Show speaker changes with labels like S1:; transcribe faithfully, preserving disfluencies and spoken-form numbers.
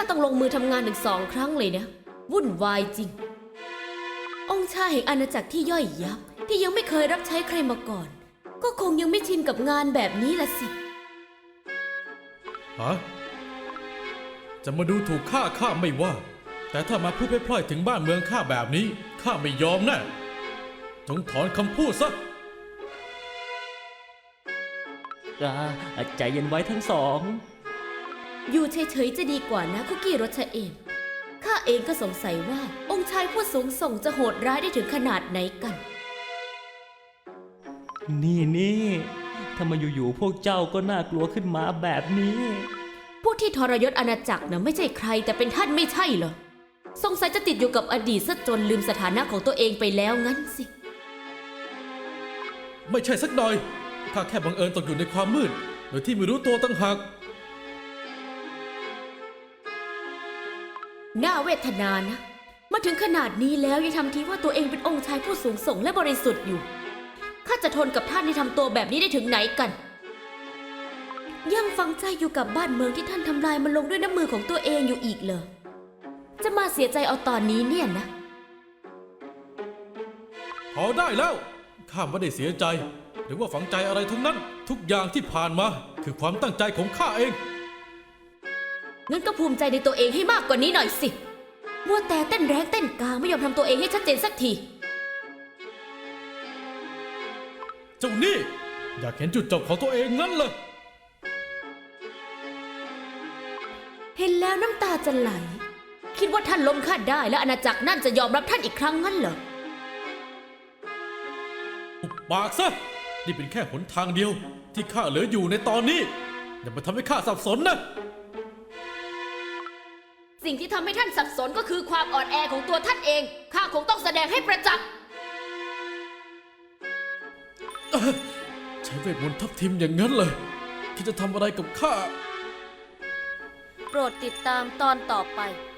S1: ต้องลงมือทำงานถึงสองครั้งเลยนะวุ่นวายจริงองค์ชายแห่งอาณาจักรที่ย่อยยับที่ยังไม่เคยรับใช้ใครมาก่อนก็คงยังไม่ชินกับงานแบบนี้ละสิ
S2: ฮะจะมาดูถูกข้าข้าไม่ว่าแต่ถ้ามาพูดพล่อยๆถึงบ้านเมืองข้าแบบนี้ข้าไม่ยอมแน่จงถอนคำพูดซะ
S3: ใจเย็นไว้ทั้งสอง
S1: อยู่เฉยๆจะดีกว่านะคุกกี้รสชาเอมข้าเองก็สงสัยว่าองค์ชายผู้สูงส่งจะโหดร้ายได้ถึงขนาดไหนกัน
S3: นี่นี่ถ้ามาอยู่ๆพวกเจ้าก็น่ากลัวขึ้นมาแบบนี้
S1: ผู้ที่ทรยศอาณาจักรนะไม่ใช่ใครแต่เป็นท่านไม่ใช่เหรอสงสัยจะติดอยู่กับอดีตซะจนลืมสถานะของตัวเองไปแล้วงั้นสิ
S2: ไม่ใช่สักหน่อยข้าแค่บังเอิญตกอยู่ในความมืดโดยที่ไม่รู้ตัวตั้งหาก
S1: น่าเวทนานะมาถึงขนาดนี้แล้วยังทำทีว่าตัวเองเป็นองค์ชายผู้สูงส่งและบริสุทธิ์อยู่ข้าจะทนกับท่านที่ทำตัวแบบนี้ได้ถึงไหนกันยังฝังใจอยู่กับบ้านเมืองที่ท่านทำลายมันลงด้วยน้ำมือของตัวเองอยู่อีกเหรอจะมาเสียใจเอาตอนนี้เนี่ยนะ
S2: พอได้แล้วข้าไม่ได้เสียใจหรือว่าฝังใจอะไรทั้งนั้นทุกอย่างที่ผ่านมาคือความตั้งใจของข้าเอง
S1: งั้นก็ภูมิใจในตัวเองให้มากกว่านี้หน่อยสิมัวแต่เต้นแรงเต้นกลางไม่ยอมทำตัวเองให้ชัดเจนสักที
S2: เจ้านี่อยากเห็นจุดจบของตัวเองงั้นเลย
S1: เห็นแล้วน้ำตาจะไหลคิดว่าท่านล้มข้าได้และอาณาจักรนั่นจะยอมรับท่านอีกครั้งงั้นเหรอ
S2: อุบปากซะนี่เป็นแค่หนทางเดียวที่ข้าเหลืออยู่ในตอนนี้อย่ามาทำให้ข้าสับสนนะ
S1: สิ่งที่ทำให้ท่านสับสนก็คือความอ่อนแอของตัวท่านเองข้าคงต้องแสดงให้ประจักษ์
S2: ใช้เวทมนต์ทับทิมอย่างนั้นเลยที่จะทำอะไรกับข้า
S1: โปรดติดตามตอนต่อไป